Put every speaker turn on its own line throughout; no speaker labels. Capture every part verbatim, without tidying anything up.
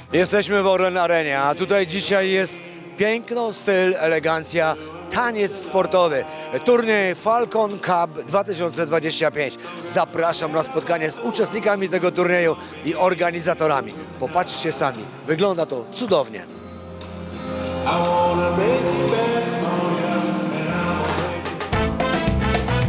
Jesteśmy w Orlen Arenie, a tutaj dzisiaj jest piękno, styl, elegancja, taniec sportowy. Turniej Falcon Cup dwa tysiące dwadzieścia pięć. Zapraszam na spotkanie z uczestnikami tego turnieju i organizatorami. Popatrzcie sami, wygląda to cudownie.
I wanna make it back for ya, and I'ma make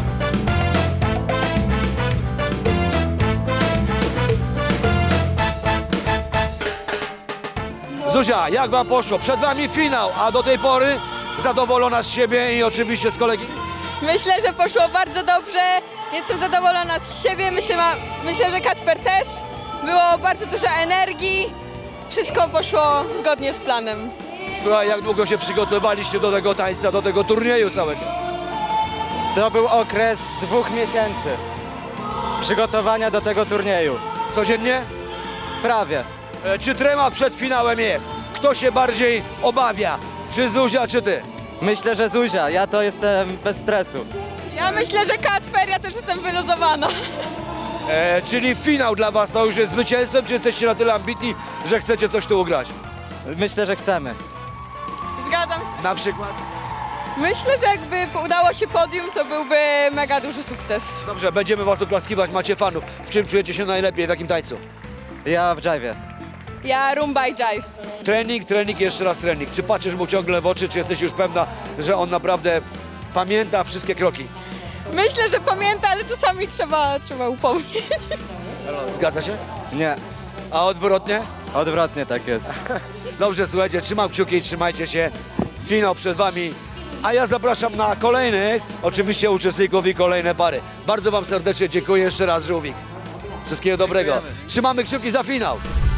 Zuzia, jak wam poszło? Przed wami finał, a do tej pory zadowolona z siebie i oczywiście z kolegi?
Myślę, że poszło bardzo dobrze. Jestem zadowolona z siebie. Myślę, ma, myślę, że Kacper też. Było bardzo dużo energii. Wszystko poszło zgodnie z planem.
Słuchaj, jak długo się przygotowaliście do tego tańca, do tego turnieju całego?
To był okres dwóch miesięcy przygotowania do tego turnieju.
Codziennie?
Prawie.
E, Czy trema przed finałem jest? Kto się bardziej obawia? Czy Zuzia, czy ty?
Myślę, że Zuzia, ja to jestem bez stresu.
Ja myślę, że Kacper, ja też jestem wyluzowana.
E, czyli finał dla was to już jest zwycięstwem, czy jesteście na tyle ambitni, że chcecie coś tu ugrać?
Myślę, że chcemy.
Zgadzam się.
Na przykład?
Myślę, że jakby udało się podium, to byłby mega duży sukces.
Dobrze, będziemy was oklaskiwać, macie fanów. W czym czujecie się najlepiej, w jakim tańcu?
Ja w dżajwie.
Ja rumba i jive.
Trening, trening, jeszcze raz trening. Czy patrzysz mu ciągle w oczy, czy jesteś już pewna, że on naprawdę pamięta wszystkie kroki?
Myślę, że pamięta, ale czasami trzeba, trzeba upomnieć.
Zgadza się?
Nie,
A odwrotnie?
odwrotnie tak jest.
Dobrze, słuchajcie, trzymam kciuki i trzymajcie się. Finał przed wami. A ja zapraszam na kolejnych, oczywiście uczestników i kolejne pary. Bardzo wam serdecznie dziękuję jeszcze raz, Żółwik. Wszystkiego dobrego.
Dziękujemy.
Trzymamy kciuki za finał.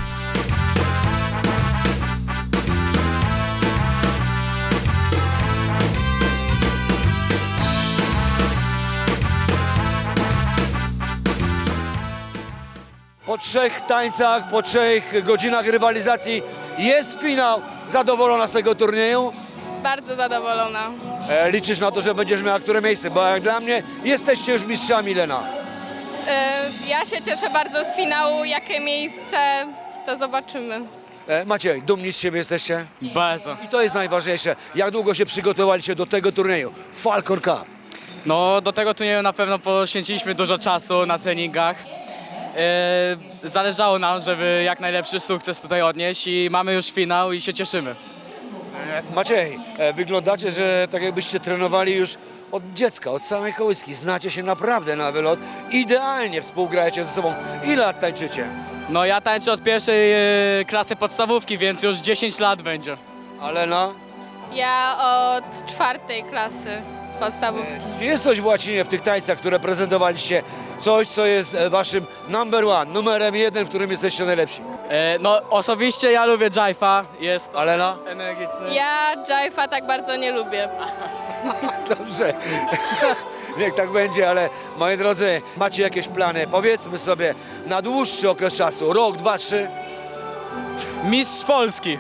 Po trzech tańcach, po trzech godzinach rywalizacji jest finał. Zadowolona z tego turnieju?
Bardzo zadowolona.
E, liczysz na to, że będziesz miała które miejsce, bo jak dla mnie jesteście już mistrzami, Lena.
E, Ja się cieszę bardzo z finału. Jakie miejsce, to zobaczymy.
E, Maciej, dumni z siebie jesteście?
Bardzo.
I to jest najważniejsze. Jak długo się przygotowaliście do tego turnieju? Falcon Cup.
No do tego turnieju na pewno poświęciliśmy dużo czasu na treningach. E, zależało nam, żeby jak najlepszy sukces tutaj odnieść i mamy już finał i się cieszymy.
E, Maciej, e, wyglądacie, że tak jakbyście trenowali już od dziecka, od samej kołyski. Znacie się naprawdę na wylot. Idealnie współgrajecie ze sobą. Ile lat tańczycie?
No ja tańczę od pierwszej e, klasy podstawówki, więc już dziesięć lat będzie.
A Lena?
Ja od czwartej klasy podstawówki.
Czy jest coś w łacinie w tych tańcach, które prezentowaliście? Coś, co jest e, waszym number one, numerem jeden, w którym jesteście najlepsi?
E, no osobiście ja lubię jive'a, jest
A Lena?
energiczny.
Ja jive'a tak bardzo nie lubię.
Dobrze. Niech tak będzie, ale moi drodzy, macie jakieś plany? Powiedzmy sobie na dłuższy okres czasu, rok, dwa, trzy,
Mistrz Polski.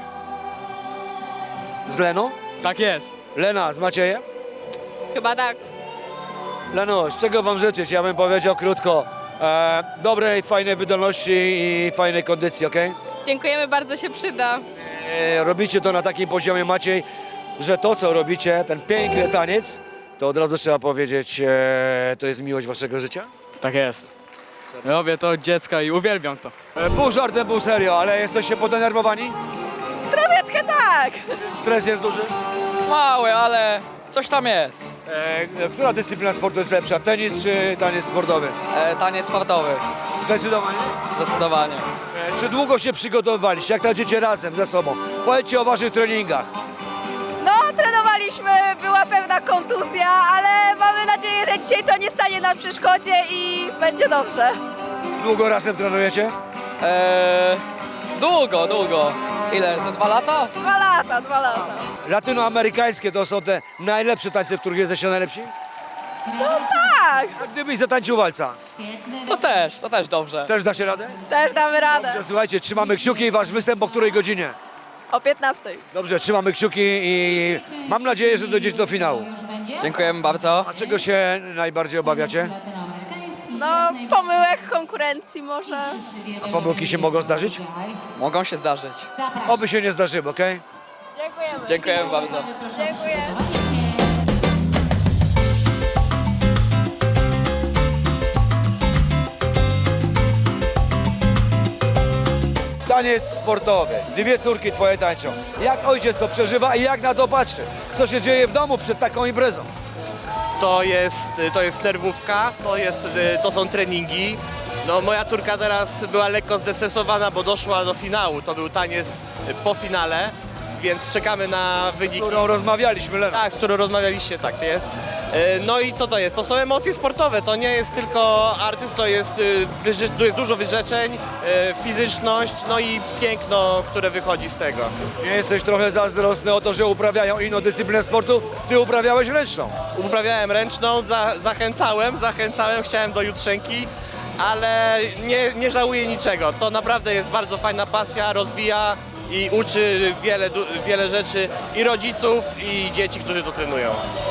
z Leną?
Tak jest.
Lena, z Maciejem?
Chyba tak.
Leno, z czego wam życzyć? Ja bym powiedział krótko. E, dobrej, fajnej wydolności i fajnej kondycji, ok?
Dziękujemy, bardzo się przyda.
E, robicie to na takim poziomie, Maciej, że to, co robicie, ten piękny taniec, to od razu trzeba powiedzieć, e, to jest miłość waszego życia?
Tak jest. Robię to od dziecka i uwielbiam to.
E, pół żartem, pół serio, ale jesteście podenerwowani?
Troszeczkę tak.
Stres jest duży?
Mały, ale coś tam jest.
E, która dyscyplina sportu jest lepsza, tenis czy taniec sportowy?
E, taniec sportowy,
Zdecydowanie.
zdecydowanie.
E, czy długo się przygotowywaliście? Jak tańczycie razem ze sobą? Powiedzcie o waszych treningach.
No, trenowaliśmy, była pewna kontuzja, ale mamy nadzieję, że dzisiaj to nie stanie na przeszkodzie i będzie dobrze.
Długo razem trenujecie?
Eee, długo, długo. Ile? Za dwa lata?
Dwa lata, dwa lata.
Latynoamerykańskie to są te najlepsze tańce, w których jesteście najlepsi?
Tak,
A gdybyś zatańczył walca,
To też, to też dobrze.
też da się radę?
też damy radę.
Słuchajcie, trzymamy kciuki i wasz występ o której godzinie?
O piętnastej.
Dobrze, trzymamy kciuki i mam nadzieję, że dojdziecie do finału.
Dziękujemy bardzo.
A czego się najbardziej obawiacie?
No, pomyłek, konkurencji może.
A pomyłki się mogą zdarzyć?
Mogą się zdarzyć.
Oby się nie zdarzyły, okej?
Dziękujemy.
Dziękujemy bardzo.
Dziękuję.
Taniec sportowy. Dwie córki twoje tańczą. Jak ojciec to przeżywa i jak na to patrzy? Co się dzieje w domu przed taką imprezą?
To jest, to jest nerwówka, to, jest, to są treningi. No, moja córka teraz była lekko zestresowana, bo doszła do finału. To był taniec po finale, więc czekamy na
Z
wyniki.
którą rozmawialiśmy, Lena.
Tak, z którą rozmawialiście, tak to jest. E, No i co to jest? To są emocje sportowe, to nie jest tylko artyst, to jest, y, wyrzy- tu jest dużo wyrzeczeń, e, fizyczność, no i piękno, które wychodzi z tego.
Nie jesteś trochę zazdrosny o to, że uprawiają inną dyscyplinę sportu? Ty uprawiałeś ręczną.
Uprawiałem ręczną, za, zachęcałem, zachęcałem, chciałem do jutrzenki, ale nie, nie żałuję niczego. To naprawdę jest bardzo fajna pasja, rozwija i uczy wiele, du- wiele rzeczy i rodziców, i dzieci, którzy to trenują.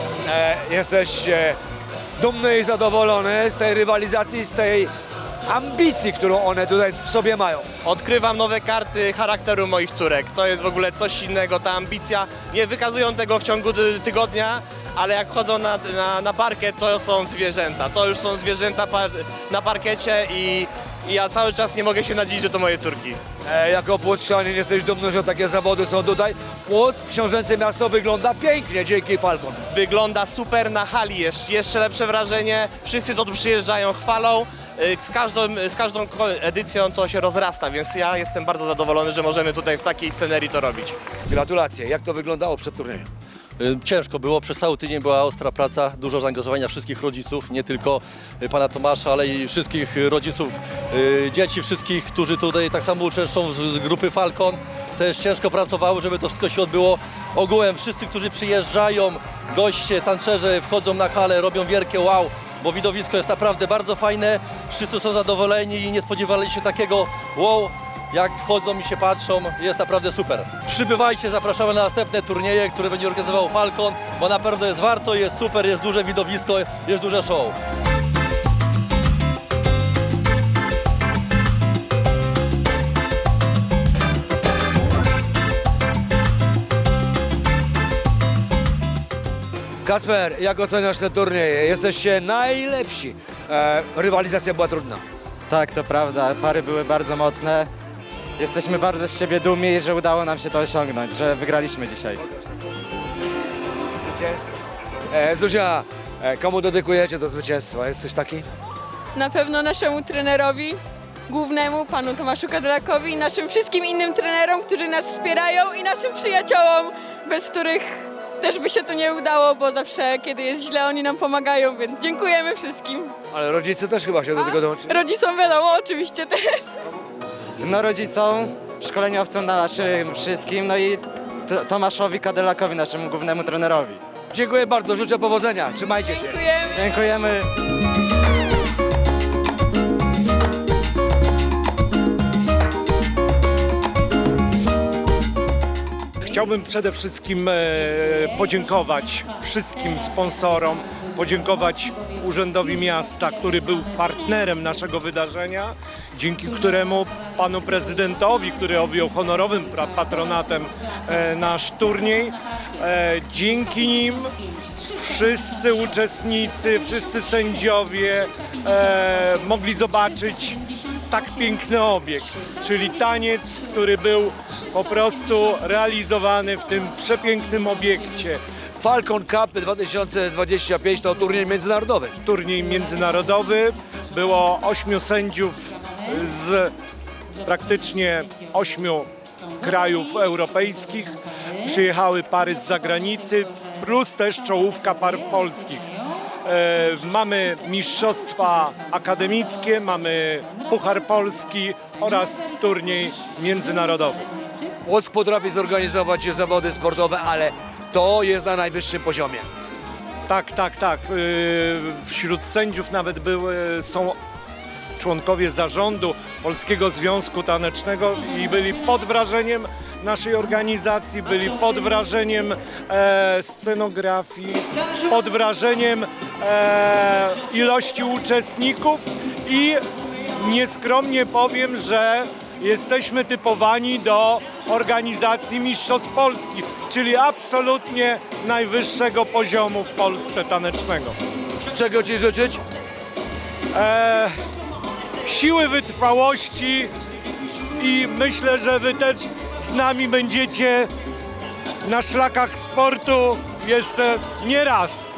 E, jesteś e, dumny i zadowolony z tej rywalizacji, z tej ambicji, którą one tutaj w sobie mają.
Odkrywam nowe karty charakteru moich córek. To jest w ogóle coś innego, ta ambicja. Nie wykazują tego w ciągu ty- tygodnia, ale jak chodzą na, na, na parkiet, to są zwierzęta. To już są zwierzęta par- na parkiecie i, i ja cały czas nie mogę się nadziwić, że to moje córki.
E, jako płotrzanin jesteś dumny, że takie zawody są tutaj. Płock, książęce miasto wygląda pięknie dzięki Falcon.
Wygląda super na hali, jest jeszcze lepsze wrażenie. Wszyscy to tu przyjeżdżają, chwalą. Y, Z każdą, z każdą ko- edycją to się rozrasta, więc ja jestem bardzo zadowolony, że możemy tutaj w takiej scenerii to robić.
Gratulacje. Jak to wyglądało przed turniejem?
Y, Ciężko było, przez cały tydzień była ostra praca, dużo zaangażowania wszystkich rodziców, nie tylko y, pana Tomasza, ale i wszystkich y, rodziców, y, dzieci, wszystkich, którzy tutaj tak samo uczestniczą z, z grupy Falcon. Też ciężko pracowały, żeby to wszystko się odbyło. Ogółem wszyscy, którzy przyjeżdżają, goście, tancerze wchodzą na halę, robią wielkie wow, bo widowisko jest naprawdę bardzo fajne, wszyscy są zadowoleni i nie spodziewali się takiego wow. Jak wchodzą i się patrzą, jest naprawdę super. Przybywajcie, zapraszamy na następne turnieje, które będzie organizował Falcon, bo na pewno jest warto, jest super, jest duże widowisko, jest duże show.
Kasper, jak oceniasz te turnieje? Jesteście najlepsi. E, rywalizacja była trudna.
Tak, to prawda, pary były bardzo mocne. Jesteśmy bardzo z siebie dumni, że udało nam się to osiągnąć, że wygraliśmy dzisiaj.
E, Zuzia, e, komu dedykujecie to zwycięstwo? Jest coś taki?
Na pewno naszemu trenerowi głównemu, panu Tomaszu Kadelakowi i naszym wszystkim innym trenerom, którzy nas wspierają i naszym przyjaciołom, bez których też by się to nie udało, bo zawsze kiedy jest źle oni nam pomagają, więc dziękujemy wszystkim.
Ale rodzice też chyba się do tego dołączyli.
Rodzicom wiadomo, oczywiście też.
No rodzicom, szkoleniowcom na naszym wszystkim, no i T- Tomaszowi Kadelakowi, naszemu głównemu trenerowi.
Dziękuję bardzo, życzę powodzenia. Trzymajcie się.
Dziękujemy.
Dziękujemy.
Chciałbym przede wszystkim e, podziękować wszystkim sponsorom, podziękować Urzędowi Miasta, który był partnerem naszego wydarzenia, dzięki któremu panu prezydentowi, który objął honorowym pra- patronatem e, nasz turniej, e, dzięki nim wszyscy uczestnicy, wszyscy sędziowie e, mogli zobaczyć tak piękny obiekt, czyli taniec, który był po prostu realizowany w tym przepięknym obiekcie.
Falcon Cup dwa tysiące dwadzieścia pięć to turniej międzynarodowy.
Turniej międzynarodowy, było ośmiu sędziów z praktycznie ośmiu krajów europejskich, przyjechały pary z zagranicy, plus też czołówka par polskich. E, mamy mistrzostwa akademickie, mamy Puchar Polski oraz turniej międzynarodowy.
Płock potrafi zorganizować zawody sportowe, ale to jest na najwyższym poziomie.
Tak, tak, tak. E, wśród sędziów nawet były, są członkowie zarządu Polskiego Związku Tanecznego i byli pod wrażeniem naszej organizacji, byli pod wrażeniem e, scenografii, pod wrażeniem e, ilości uczestników i nieskromnie powiem, że jesteśmy typowani do organizacji Mistrzostw Polski, czyli absolutnie najwyższego poziomu w Polsce tanecznego.
Czego Ci życzyć?
E, siły wytrwałości i myślę, że Wy też z nami będziecie na szlakach sportu jeszcze nie raz.